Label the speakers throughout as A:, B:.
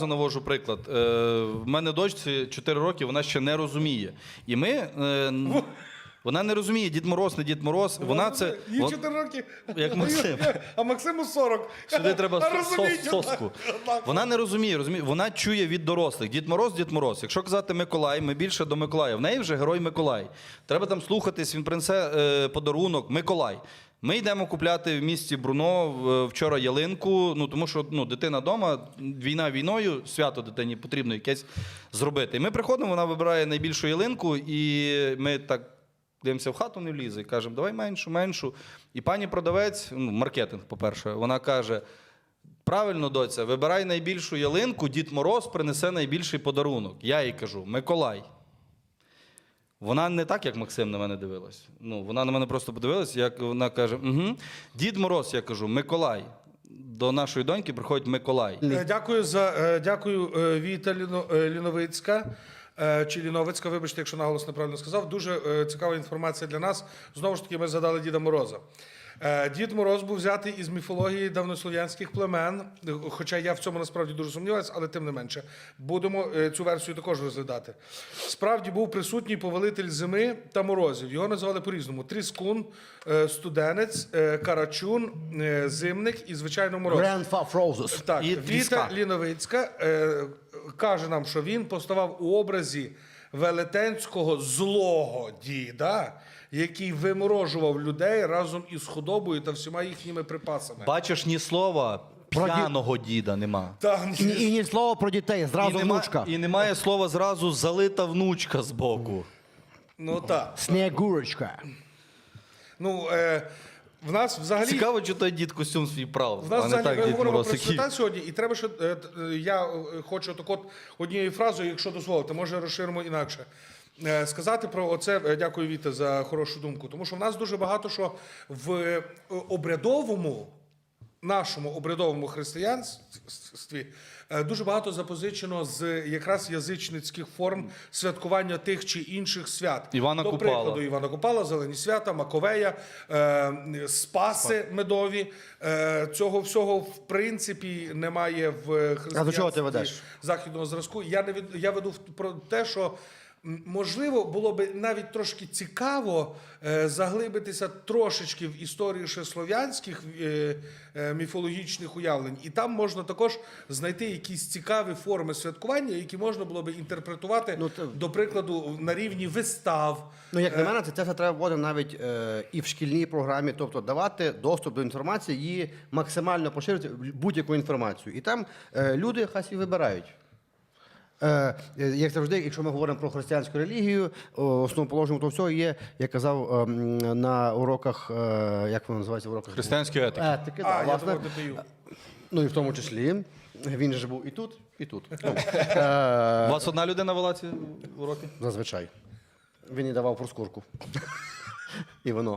A: Навожу приклад. В мене дочці 4 роки, вона ще не розуміє. І ми... Вона не розуміє, Дід Мороз, не Дід Мороз. Вона це...
B: Їй 4 роки,
A: як Максим.
B: А Максиму 40.
A: Сюди треба соску. Вона не розуміє, вона чує від дорослих. Дід Мороз, Дід Мороз. Якщо казати Миколай, ми більше до Миколая. В неї вже герой Миколай. Треба там слухатись, він принесе подарунок. Миколай. Ми йдемо купляти в місті Бруно вчора ялинку, тому що дитина вдома, війна війною, свято дитині потрібно якесь зробити. І ми приходимо, вона вибирає найбільшу ялинку, і ми так дивимося, в хату не влізе, і кажемо, давай меншу. І пані продавець, маркетинг, по-перше, вона каже, правильно, доця, вибирай найбільшу ялинку, Дід Мороз принесе найбільший подарунок. Я їй кажу, Миколай. Вона не так, як Максим на мене дивилась. Вона на мене просто подивилась, як вона каже, угу. Дід Мороз, я кажу, Миколай. До нашої доньки приходить Миколай.
B: Дякую, Віта Ліновицька. Чи Ліновицька, вибачте, якщо наголос неправильно сказав. Дуже цікава інформація для нас. Знову ж таки, ми згадали Діда Мороза. Дід Мороз був взятий із міфології давнослов'янських племен, хоча я в цьому насправді дуже сумніваюся, але тим не менше. Будемо цю версію також розглядати. Справді був присутній повелитель зими та морозів. Його називали по-різному. Тріскун, студенець, карачун, зимник і, звичайно, мороз. Так, Віта Ліновицька каже нам, що він поставав у образі велетенського злого діда, який виморожував людей разом із худобою та всіма їхніми припасами.
A: Бачиш, ні слова п'яного діда нема.
C: І ні слова про дітей, зразу внучка.
A: І немає слова зразу залита внучка збоку.
B: Так.
C: Снігурочка.
B: В нас взагалі...
A: Цікаво, чи той дід костюм свій прав,
B: В нас
A: а не
B: взагалі,
A: так
B: ми
A: Дід
B: говоримо
A: Мороз.
B: про свята сьогодні, і треба, що я хочу однією фразою, якщо дозволите, може розширимо інакше. Сказати про оце, дякую, Віта, за хорошу думку, тому що в нас дуже багато що в нашому обрядовому християнстві дуже багато запозичено з якраз язичницьких форм святкування тих чи інших свят. До прикладу, Івана Купала, Зелені свята, Маковея, Спаси медові. Цього всього, в принципі, немає в християнстві західного зразку. Я веду про те, що можливо, було б навіть трошки цікаво заглибитися трошечки в історію ще слов'янських міфологічних уявлень. І там можна також знайти якісь цікаві форми святкування, які можна було б інтерпретувати, до прикладу, на рівні вистав.
C: Як на мене, це треба вводити навіть і в шкільній програмі, тобто давати доступ до інформації, її максимально поширити, будь-яку інформацію. І там люди хай собі вибирають. Як завжди, якщо ми говоримо про християнську релігію, основоположним того всього є, я казав на уроках, як воно називається в уроках?
A: Християнської етики.
C: Етики, так, власне. І в тому числі. Він же був і тут, і тут.
A: У вас одна людина вела ці уроки?
C: Зазвичай. Він і давав проскурку. І воно.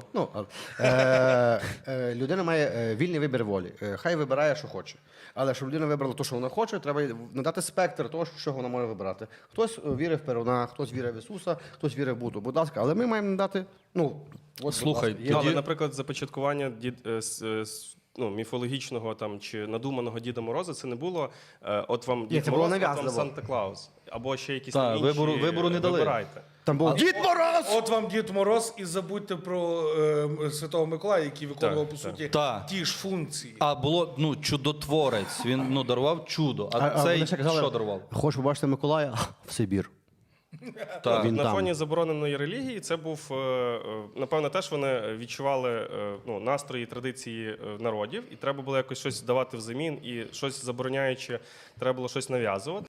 C: Людина має вільний вибір волі. Хай вибирає, що хоче. Але щоб людина вибрала те, що вона хоче, треба надати спектр того, що вона може вибирати. Хтось вірив в Перуна, хтось вірив в Ісуса, хтось вірив в Будду. Будь ласка, але ми маємо надати,
A: Слухай,
D: але, наприклад, започаткування міфологічного чи надуманого Діда Мороза це не було от вам Дід Мороз, от вам Санта-Клаус. Або ще якісь інші.
A: Вибору не дали.
D: Вибирайте.
C: Там був Дід Мороз!
B: От вам Дід Мороз, і забудьте про Святого Миколая, який виконував, по суті, ті ж функції.
A: А було, чудотворець, він дарував чудо. А цей що дарував?
C: Хочеш побачити Миколая? В Сибір.
D: На фоні забороненої релігії це був, напевно, теж вони відчували настрої, традиції народів, і треба було якось щось давати взамін, і щось забороняючи, треба було щось нав'язувати.